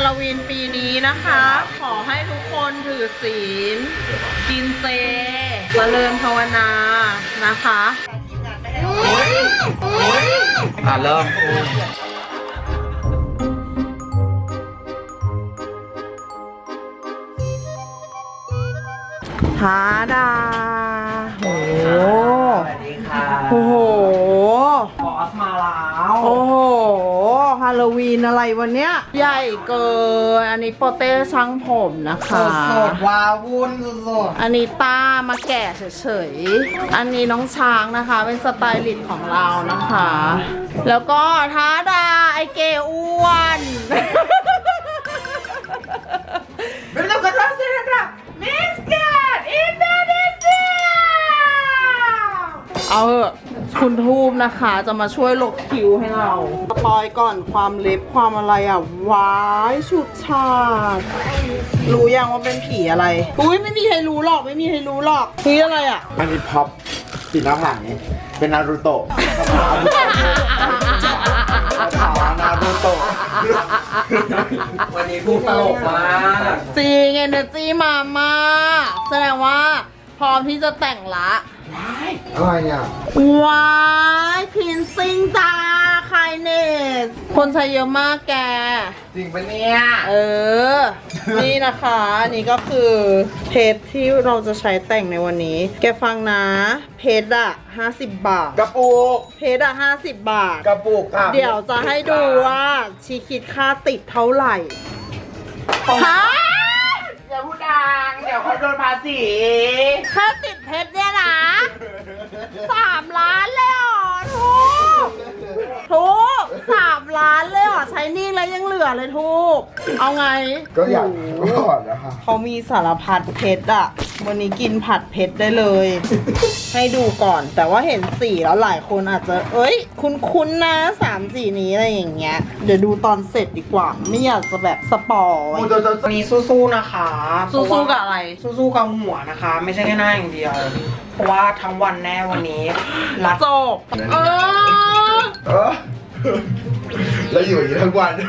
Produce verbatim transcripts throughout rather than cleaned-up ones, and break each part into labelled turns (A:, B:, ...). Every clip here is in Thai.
A: าโลวีนปีนี้นะคะ ขอให้ทุกคนถือศีลกินเจเจริญภาวนานะคะ
B: อ่ะเริ่ม
A: ทาดาโอ้โห
B: สวัสดีค่ะ
A: โอ้โห
B: บอสมาแล้ว
A: โอ้โหฮาโลวีนอะไรวันเนี้ยใหญ่เกินอันนี้โปเต้ช่างผมนะคะ
B: สดๆวาวุ่นสด
A: อันนี้ต้ามาแก่เฉยๆอันนี้น้องช้างนะคะเป็นสไตลิสต์ของเรานะคะ แล้วก็ท้าดาไอเกอ้วนไม่ต้องกระโดดเสียนะครับมิสแกรนด์อินโดนีเซียเอาเถอะคุณทูบนะคะจะมาช่วยลบคิวให้เราสปอยก่อนความเล็บความอะไรอ่ะว้ายชุดชาติรู้ยังว่าเป็นผีอะไรอุ้ยไม่มีใครรู้หรอกไม่มีใครรู้หรอกคืออะไรอ่ะ
C: อันนี้พับสีหน้าผากนี้เป็นนารูโตะขาวนารูโตะ
B: วันนี้พูดตลกมาก
A: จริงเอเนอร์จีมามากแสดงว่าพร้อมที่จะแต่งละ
C: อะไรเนี่ย
A: ว้ายพินซิงจ้าไคเนสคนใช้เยอะมากแก
C: จริงปะเนี่ย
A: เออ นี่นะคะอันนี่ก็คือเพชรที่เราจะใช้แต่งในวันนี้ แกฟังนะเพชรอะห้าสิบบาท
C: กระปุก
A: เพชรอะห้าสิบบาท
C: กระปุกค่ะ
A: เดี๋ยวจะให้ดูว่าชีคิดค่าติดเท่าไหร่ฮะ
C: อย่าพูดดังเดี๋ยวเขาโดนภาษี
A: ค่าติดเพชรเนี่ยนะสามล้านเลยเหรอทุกทุกสามล้านเลยเหรอใช้หนี่แล้วยังเหลือเลยทุกเอาไง
C: ก็อยากก่อนนะคะ
A: เขามีสารพัดเพชรอะวันนี้กินผัดเพชรได้เลย ให้ดูก่อนแต่ว่าเห็นสีแล้วหลายคนอาจจะเอ้ย คุ้นๆนะสามสีนี้อะไรอย่างเงี้ยเดี๋ยวดูตอนเสร็จดีกว่า ไม่อยากจะแบบสปอย
B: วันนี้สู้ๆนะคะ
A: สู้ๆกับอะไร
B: สู้ๆกับหัวนะคะ ไม่ใช่แค่หน้าอย่างเดียว เพราะว่าทั้งวันแน่วันนี้รัด
A: จบเออ
C: เออแล้วอยู่อย่างนี้ทั้งวัน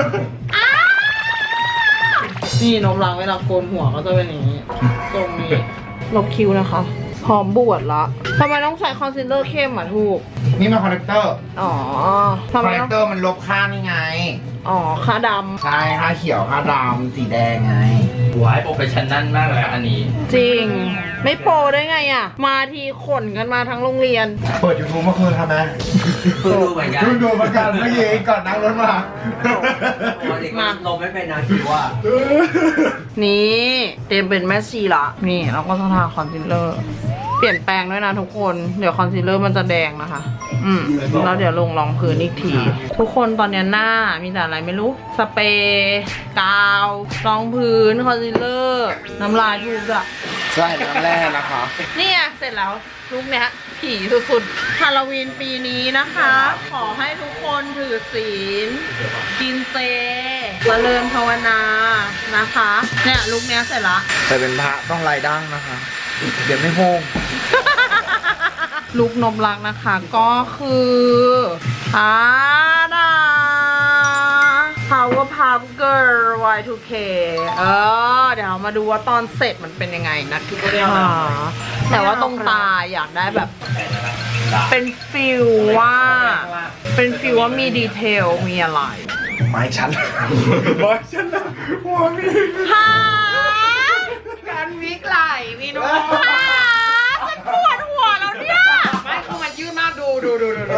A: นี่นมล้างเวลาโกนหัวก็จะเป็นอย่างนี้ตรงนี้ลบคิ้วนะคะ พร้อมบวชละทำไมต้องใช้คอนซีลเลอร์เข้มอ่ะถูก
C: นี่มันคอนเนคเตอร์
A: อ๋อ
C: ค
A: ทำ
C: อน
A: ไม
C: เนค
A: ต้อง
C: เตอร์มันลบค่านี่ไง
A: อ๋อค่าด
C: ใช่ค่าเขียวค่าดำสีแดงไง
D: หัวให้โปรเฟชชั่นนั่นมากเลยอันนี้
A: ำจริง ไม่โปรได้ไงอ่ะ มาทีขนกันมาทั้งโรงเรียน
C: เปิดยูทูบเมื่อคืนทำไหม
D: เพิ่งดูเหมือนกัน
C: เพิ่งดูเหมือนกันเมื่อกี้ก่อนนั่งรถมา
D: วันนี้ก็ลงไม่เป็นนาทีว่า
A: นี่เตรียมเป็นแม่ชีละนี่เราก็จะทาคอนซีลเลอร์เปลี่ยนแปลงด้วยนะทุกคนเดี๋ยวคอนซีลเลอร์มันจะแดงนะคะอืมแล้วเดี๋ยวลงรองพื้นอีกทีทุกคนตอนนี้หน้ามีแต่อะไรไม่รู้สเปรย์กาวรองพื้นคอนซีลเลอร์น้ำลายทูบอะ
C: ใช่น้ำแร่นะคะ
A: นี่ไงเสร็จแล้วลุกเนี้ยผีสุดๆฮาโลวีนปีนี้นะคะ ขอให้ทุกคนถือศีลกินเจเจริญภาวนานะคะเนี่ยลุกเนี้ยเสร็จละ
C: แต่เป็นพระต้องลายดั้งนะคะ เดี๋ยวไม่โพง
A: ลูกนมรักนะคะก็คืออาดา Powerpuff Girl วาย ทู เค เออเดี๋ยวมาดูว่าตอนเสร็จมันเป็นยังไงนะคะแต่ว่าตรงตาอยากได้แบบ เป็นฟิลว่า เป็นฟิลว่ามีดีเทลมีอะไร
C: ไม้ฉัน ไม้ฉันนะหัวมี
A: ฮะการวิกไหลมีน้องฮะฉันปวดหัวแล้วเนี่ย
B: ไม่คือมันยืดมากดูดูดูดูดู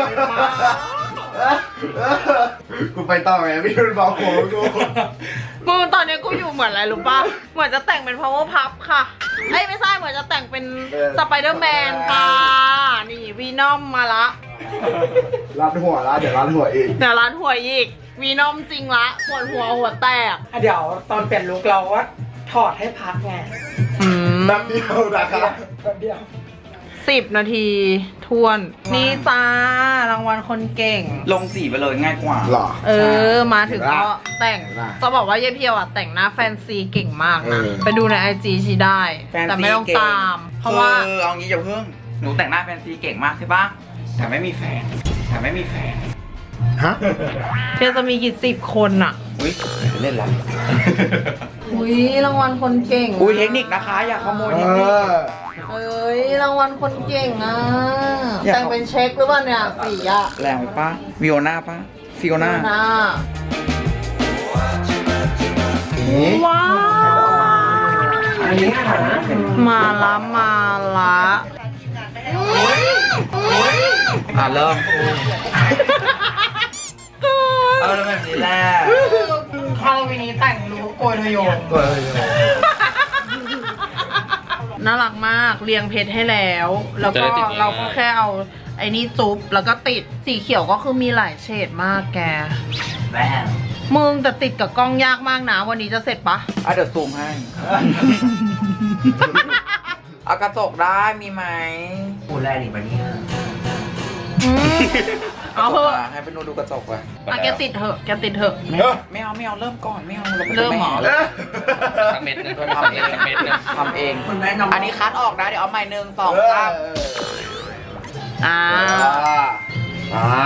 C: กูไปต่อไงพี่รุ่นบอกผมกู
A: มึงตอนนี้กูอยู่เหมือนอะไรรู้ป่ะ เหมือนจะแต่งเป็น Powerpuff ค่ะเอ้ยไม่ใช่เหมือนจะแต่งเป็นสไปเดอร์แมนค่ะ นี่วีนอมมาละ
C: รัดหัวละเดี๋ยวรัดหัวอีก
A: เดี๋ยวร้านหัวอีกวีนอมจริงละปวดหัวหัวแตก
B: เดี๋ยวตอนเปลี่ยนลุคเราว่าถอดให้พักไง
A: อืม
C: แป๊บเดียวนะครับ
B: แป๊บเดียว
A: สิบนาทีทวน นี่จ้ารางวัลคนเก่ง
D: ลงสีไปเลยง่ายกว่า
C: หรอ
A: เออ มาถึงก็แต่ง
C: ได้
A: จะบอกว่าเยเพียวอ่ะแต่งหน้าแฟนซีเก่งมากนะ
C: เออ
A: ไปดูในไอจีชีได้ แต่ไม่ต้องตาม เพราะว่า
D: คือเอางี้อย่าเพิ่ง หนูแต่งหน้าแฟนซีเก่งมากใช่ปะแต่ไม่มีแฟน แต่ไม่มีแฟน
C: ฮะ
A: แกจะมีกี่สิบคนอะ
B: อุ้ยเล่นละ
A: อุ้ยรางวัลคนเก่งะ
B: อุ้ยเทคนิคนะคะ อย่าขโมย
C: เอ
B: เทคนิค
C: อ
A: เอ้ยรางวัลคนเก่งอ่ะ
B: อยาก
A: แต่งเป็นเช็คหรือเปล่าเนี่ยสีอ่ะ
B: แรงไปปะวิโอนาปะฟิโอนา
A: หน้า
C: นี่
A: ว้าว
B: อันนี้ค่ะ
A: มาละมาละ
B: อ่ะเริ่มเอาแล้วแบบนี้แหละฮาโลวีนนี้แต่งรู้โกยทะโยน
C: เออ
A: น่ารักมากเรียงเพชรให้แล้ว แล้วก็เราก็แค่เอาไอ้นี่จุ๊บแล้วก็ติดสีเขียวก็คือมีหลายเฉดมากแก
D: แม่ง
A: มึงแต่ติดกับกล้องยากมากนะ วันนี้จะเสร็จปะ
B: อ่ะเดี๋ยวซูมให้ เอากระจกได้มีไหม
D: พูดแรกอีกปะเนี่ย
A: อืมเอาเถอะ
B: ให้ไปนูดูกระจกไป
A: อ่ะแกติดเถอะแกติดเถอะ
B: ไม่เอาไม่เอาไม่เอาเริ่มก่อนไม่เอาเราไม่
A: เริ่มเหรอ
B: แ
D: สักเม็ดนึง
B: ทำเอง
D: สักเม็ดนึง
B: ทำเอง
D: คุณแม่น้อง
B: อันนี้คัดออกนะเดี๋ยวเอาใหม่หนึ่งสองสาม
A: อ่า
C: อ่า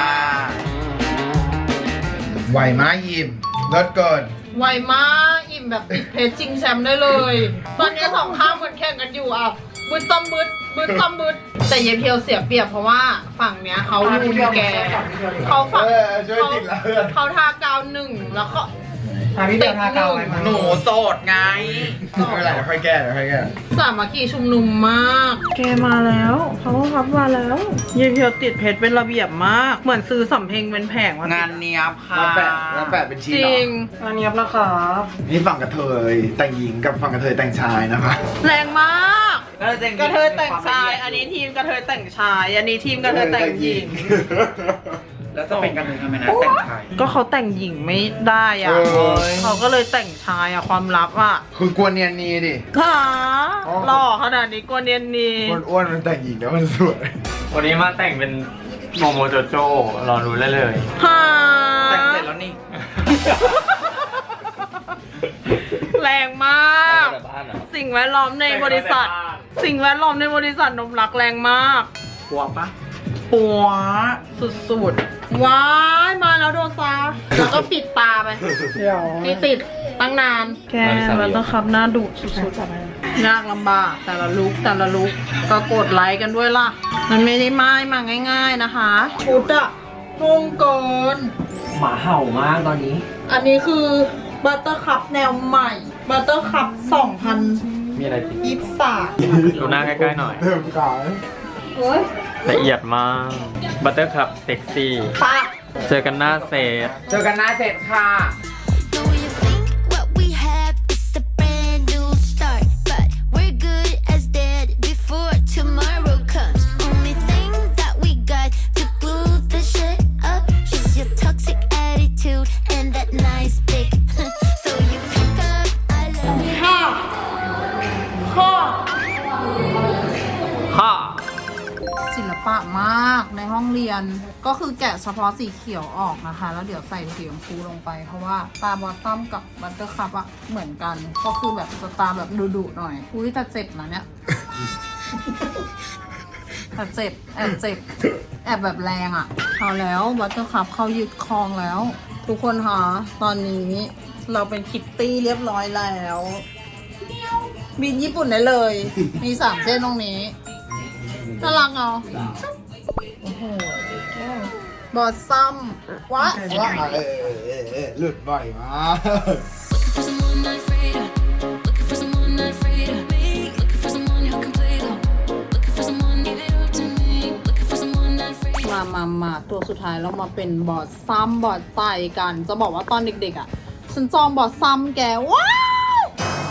C: ไหวไหมายิมลดเกิน
A: ไวมากอิ่มแบบติดเพชรจริงแชมป์ได้เลย ตอนนี้สองข้างเหมือนแข่งกันอยู่อ่ะบึดซ้ำบึดบึดซ้ำบึดแต่เยเพียวเสียเปรียบเพราะว่าฝั่งเนี้ยเขาลูนแกเขาฝั่ง
C: เออช่วยติดละเพื่อน
A: เขาทากาวหนึ่งแล้วก็
B: ทาพี่เบลทากาวไว้มาหนูโสดไง
C: ไม่เป็นไรเดี๋ยวค่อยแก้เดี๋ยวค่อยแก้
A: สามัคคีชุมนุมมากแกมาแล้วเขาพับมาแล้วเยเพียวติดเพชรเป็นระเบียบมากเหมือนซื้อสำเพ็งเป็นแผงมาง
B: านเนี้ยบค่ะ
C: แล้วแปะแล้วแปะเป็นชิ้น
A: จ
C: เหร
A: ริ
C: อง
B: งานเนี้ยบนะครับ
C: นี่ฝั่งกระเทยแต่งหญิงกับฝั่งกระเทยแต่งชายนะคะ
A: แรงมาก
B: ก็จะ
A: กระเทยแต่งชาย อันนี้ทีมกระเทยแต่งชาย อันนี้ทีมกระเทยแต่งหญิง
B: แล้วจะเป็นกันเลยทำไมนะแต่งชาย
A: ก็เขาแต่งหญิงไม่ได้อ่ะ
C: เออ
A: เขาก็เลยแต่งชายอ่ะความลับอ่ะ
C: คือกวนเนียนนีดิ
A: ค่ะ
C: อ๋อ
A: หล่อขนาดนี้กวนเนียนนี
C: คนอ้วนมันแต่งหญิงแล้วมันสวย
E: วันนี้มาแต่งเป็นโมโมโจโจรอรู้ได้เลย
A: ฮ่า
B: แต่งเสร็จแล้วนี่
A: แรงมาก
E: แต่บ้านเหรอ
A: สิ่งแวดล้อมในบริษัท สิ่งแวดล้อมในบริษัทนมรักแรงมาก
B: ปัวปะปัว
A: สุดๆ ว้ายมาแล้วโดซาแล้วก็ปิดตาไป
B: เดี๋ยว
A: นี่ติดตั้งนาน แกมันต้องขับหน้าดุสุดๆยากลำบากแต่ละลุกแต่ละลุกก็กดไลค์กันด้วยล่ะ มันไม่ได้ไม้มาง่าย ๆนะคะชุดอะนุ่งเกิน
D: หมาเห่ามากตอนนี้
A: อันนี้คือบัตเตอร์คัพแนวใหม่บัตเตอร์คัพสองพัน
E: มีอะไรจริง
A: ยี่สิบสาม
E: ดูหน้าใกล้ๆหน่อย
C: เริ่มขาย
A: โอ้ย
E: ละเอียดมาก บัตเตอร์คัพเซ็กซี่
A: ปะ
E: เจอกันหน้าเซต
B: เจอกันหน้าเสร็จค่ะ
F: Do you think what we have is a brand new start? But we're good as dead before tomorrow comes. Only thing that we got to glue the shit up is your toxic attitude and that nice dick. So you pick up, I love you.
A: ค่ะค่ะ
E: ฮ่า
A: ศิลปะมากในห้องเรียนก็คือแกะเฉพาะสีเขียวออกนะคะ แล้วเดี๋ยวใส่สีชมพูลงไป เพราะว่าตาบอตตัมกับบัตเตอร์คัพอะเหมือนกัน ก็คือแบบสไตาร์แบบดุๆหน่อย อุ้ยแต่เจ็บนะเนี่ย แต่เจ็บแอบเจ็บแอบแบบแรงอะเอาแล้วบัตเตอร์คัพเขายึดครองแล้ว ทุกคนคะตอนนี้เราเป็นคิตตี้เรียบร้อยแล้วบินญี่ปุ่นได้เลย มีสามเส้นตรงนี้น่ารักเนาะโอ้โหบอสซัมวะ
C: ว่าเออเออเออเออหลุดบ่อยมาก
F: For someone not afraid of. Looking for someone not afraid of me. Looking for someone who can play though. Looking for someone give it up to me. Looking for someone not afraid of.
A: มามามาตัวสุดท้ายเรามาเป็นบอสซัมบอสไตกัน จะบอกว่าตอนเด็กๆอ่ะ ฉันจองบอสซัมแกว้าว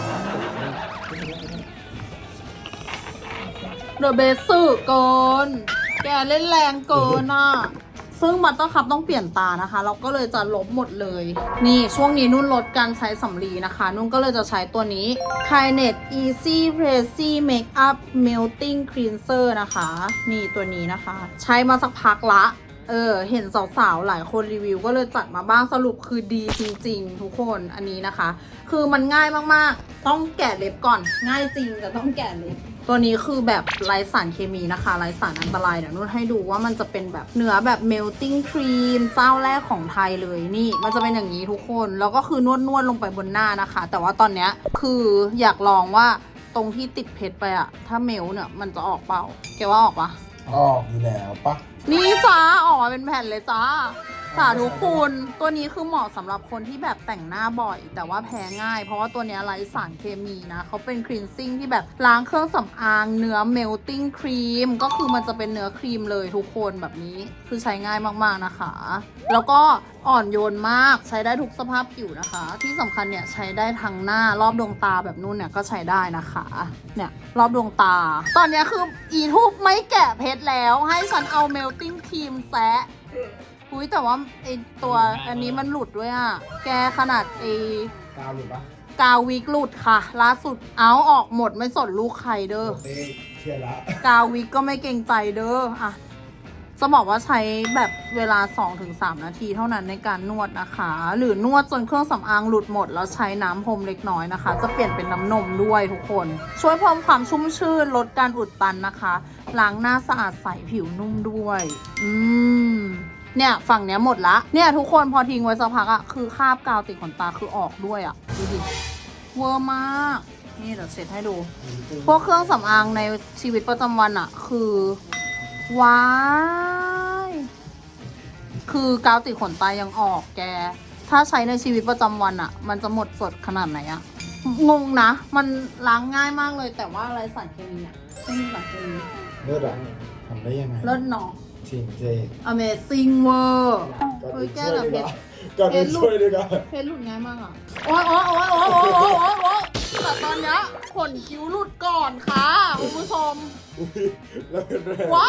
A: เดอะเบสสื่อเกิน แกเล่นแรงเกินอ่ะ ซึ่งบัตเตอร์คัพต้องเปลี่ยนตานะคะ เราก็เลยจะลบหมดเลย นี่ช่วงนี้นุ่นลดการใช้สำลีนะคะ นุ่นก็เลยจะใช้ตัวนี้ k i n e t Easy Pressy Makeup Melting Cleanser นะคะ นี่ตัวนี้นะคะ ใช้มาสักพักละ เออ เห็นสาวๆ หลายคนรีวิวก็เลยจัดมาบ้างสรุปคือดีจริงๆ ทุกคนอันนี้นะคะ คือมันง่ายมากๆ ต้องแกะเล็บก่อน ง่ายจริงแต่ต้องแกะเล็บตัวนี้คือแบบไร้สารเคมีนะคะไร้สารอันตรายเดี๋ยวนุ่นให้ดูว่ามันจะเป็นแบบเนื้อแบบ melting cream เจ้าแรกของไทยเลยนี่มันจะเป็นอย่างนี้ทุกคนแล้วก็คือนวดนวดลงไปบนหน้านะคะ แต่ว่าตอนเนี้ยคืออยากลองว่าตรงที่ติดเพชรไปอะถ้าเมลเนี่ยมันจะออกเปล่าแกว่าออกปะ
C: ออกอยู่แล้วปะ
A: นี่จ้าออกมาเป็นแผ่นเลยจ้าสาธุคุณตัวนี้คือเหมาะสำหรับคนที่แบบแต่งหน้าบ่อย แต่ว่าแพ้ง่าย เพราะว่าตัวนี้ไร้สารเคมีนะเขาเป็นคลีนซิ่งที่แบบล้างเครื่องสำอางเนื้อเมลติ้งครีมก็คือมันจะเป็นเนื้อครีมเลยทุกคนแบบนี้คือใช้ง่ายมากๆนะคะ แล้วก็อ่อนโยนมากใช้ได้ทุกสภาพผิวนะคะ ที่สำคัญเนี่ยใช้ได้ทั้งหน้ารอบดวงตาแบบนู้นเนี่ยก็ใช้ได้นะคะเนี่ยรอบดวงตา ตอนนี้คืออีทูบไม่แกะเพชรแล้วให้ฉันเอาเมลติ้งครีมแซะอุ้ยแต่ว่าไอตัวอันนี้มันหลุดด้วยอ่ะแกขนาดไอก
C: าวหรือปะ
A: กาววิกหลุดค่ะล่าสุดเอาออกหมดไม่สนลูกใครเด้อ
C: เต้เชียร์ละ
A: กาววิกก็ไม่เกรงใจเด้ออะจะบอกว่าใช้แบบเวลา สองถึงสาม นาทีเท่านั้นในการนวดนะคะ หรือนวดจนเครื่องสำอางหลุดหมดแล้วใช้น้ำพรมเล็กน้อยนะคะ จะเปลี่ยนเป็นน้ำนมด้วยทุกคน ช่วยเพิ่มความชุ่มชื่นลดการอุดตันนะคะล้างหน้าสะอาดใสผิวนุ่มด้วยอืมเนี่ยฝั่งเนี้ยหมดละเนี่ยทุกคนพอทิ้งไว้สักพักอะคือคราบกาวติดขนตาคือออกด้วยอะดูดิเวอร์มากนี่เดี๋ยวเสร็จให้ดู พวกเครื่องสำอางในชีวิตประจำวันอะคือว้ายคือกาวติดขนตายังออกแก ถ้าใช้ในชีวิตประจำวันอะมันจะหมดสดขนาดไหนอะงงนะ มันล้างง่ายมากเลยแต่ว่าอะไรสารเคมีอะไม่มีสารเคมี
C: เลิศอะทำได้ยังไง
A: เลิศเนาะ
C: จริงเจ
A: Amazing เวอร์
C: ก่อน
A: เฮ้ย
C: อื่น
A: แก
C: ช่วย
A: แต่
C: ดี
A: เพ
C: กว่า
A: ชร
C: ก่อนอื่นช่วยดีกว่า
A: เพชรหลุดง่ายมากอะโอ๊ยโอ๊ยโอ๊ยโอ๊ยโอ๊ยโอ๊ยโอ๊ยโอ๊ยแต่ตอนเนี้ยขนคิ้วหลุดก่อนค่ะคุณผู้ชม
C: อุ๊ยแล้วเป็นแรง
A: ว้าย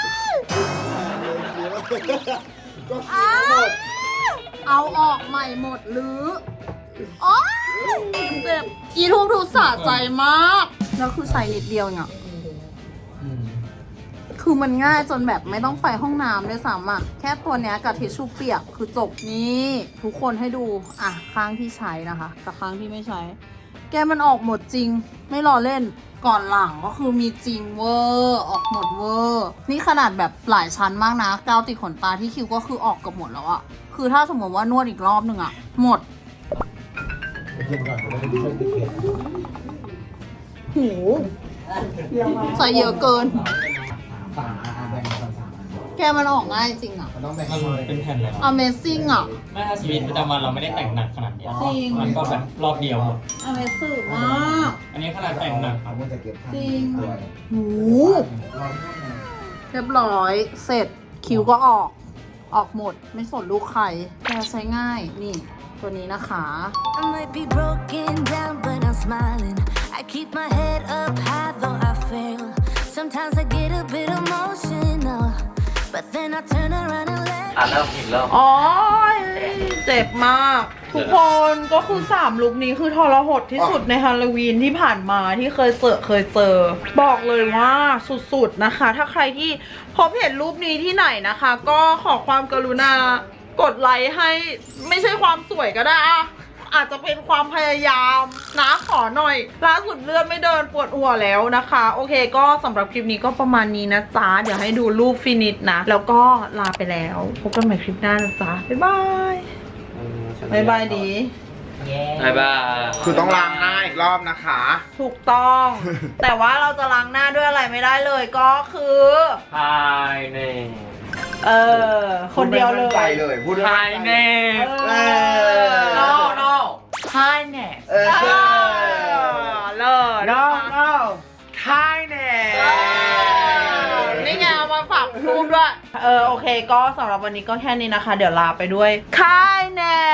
C: ก็
A: อ้า
C: คิดหมด
A: เอาออกใหม่หมดหรือโอ๊ยเจ็บอีทูบดูสะใจมากแล้วคือใช้นิดเดียวเนี่ย
C: อืม
A: คือมันง่ายจนแบบไม่ต้องไปห้องน้ำด้วยซ้ำอ่ะแค่ตัวเนี้ยกับทิชชู่เปียกคือจบนี่ทุกคนให้ดูอ่ะข้างที่ใช้นะคะกับข้างที่ไม่ใช้ แกมันออกหมดจริง ไม่รอเล่นก่อนหลังก็คือมีจริงเวอร์ออกหมดเวอร์นี่ขนาดแบบหลายชั้นมากนะกาวติดขนตาที่คิวก็คือออกเกับหมดแล้วอะคือถ้าสมมติว่านวดอีกรอบหนึ่งอะหมด
C: ไปกินก่อนจะได้ไม่ช่วยติดเผ็ด
A: หูใส่เยอะเกิน
C: สามอาแบ่งกันสามอัน
A: แกมันออกง่ายจริงอะ
C: มันต้องแบ่งกันเลย
E: เป็นแผ่นเลย
A: Amazing อะ
E: ไม่ถ้าชีวิตประจำวันเราไม่ได้แต่งหนักขนาดเนี้ย
A: จริง
E: มันก็แบบรอบเดียวหมด
A: Amazing มาก
E: อันนี้ขนาดแต่งหนัก
C: เอามันจะเก็บข้าง
A: จริง
C: ด้วย
A: หู
C: ร้อนข้างใน
A: เรียบร้อยเสร็จคิวก็ออกออกหมดไม่สนลูกใครแกใช้ง่ายนี่ตัวนี้นะคะ
F: I might be broken down, but I'm smiling. I keep my head up high, though I fail. Sometimes I get a bit emotional, but then I turn around and let
D: อ่ะเริ่มอีกรอบ
A: อ๋อเจ็บมาก ทุกคนก็คือสามลุคนี้คือทรหดที่สุดในฮาโลวีนที่ผ่านมาที่เคยเจอเคยเจอ บอกเลยว่าสุดๆนะคะ ถ้าใครที่พบเห็นรูปนี้ที่ไหนนะคะ ก็ขอความกรุณากดไลค์ให้ไม่ใช่ความสวยก็ได้อะอาจจะเป็นความพยายามนะขอหน่อยล่าสุดเลือดไม่เดินปวดหัวแล้วนะคะ โอเคก็สำหรับคลิปนี้ก็ประมาณนี้นะจ๊ะเดี๋ยวให้ดูรูปฟินิชนะแล้วก็ลาไปแล้วพบกันใหม่คลิปหน้านะจ๊ะบ๊ายบายบ๊ายบายดี
D: บ๊ายบาย
C: คือต้องล้างหน้าอีกรอบนะคะ
A: ถูกต้อง แต่ว่าเราจะล้างหน้าด้วยอะไรไม่ได้เลยก็คือ
E: ภายใน
A: เออคนเดียวเล
C: พูดไม่มั่นใจ
A: ย
C: เลยพูดไม่
E: ภา
C: มั่
E: ย
C: น
E: ใน
C: ใจ
A: เออ
E: no no
A: ใช่แน่
C: เออ
A: เออเลิศ
C: no no ทายแน่
A: นี่ไงเอามาฝากรูปด้วย เออโอเคก็สำหรับวันนี้ก็แค่นี้นะคะ เดี๋ยวลาไปด้วยค่ายแน่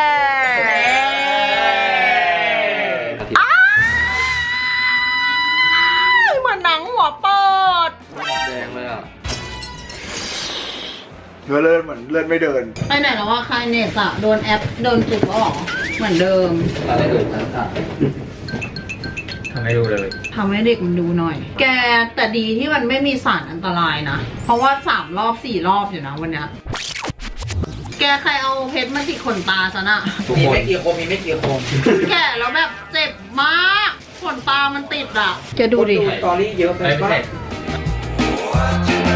A: อ้ายเหมือนหนังหัวเปิด
D: แดงเลยอ่ะ
C: เลื่อนเหมือนเลื่อนไม่เดิน
A: ไปไหนแล้วว่าคายเนสอะโดนแอปโดนจุดแล้วหรอเหมือนเดิม
D: เราได้ดูตั้งแต่
E: ทำให้ดูเลย
A: ทำให้เด็กมันดูหน่อย แกแต่ดีที่มันไม่มีสารอันตรายนะ เพราะว่าสามรอบสี่รอบอยู่นะวันเนี้ยแกใครเอาเพชรมาติดขนตาฉันอะ
D: มีไม่กี่คมมีไม่กี่คม
A: แกะแล้วแบบเจ็บมากขนตามันติดอ่ะ แกดูดิ
B: สตอรี่เยอะไป
E: ไม่
B: ปะ
E: ใช่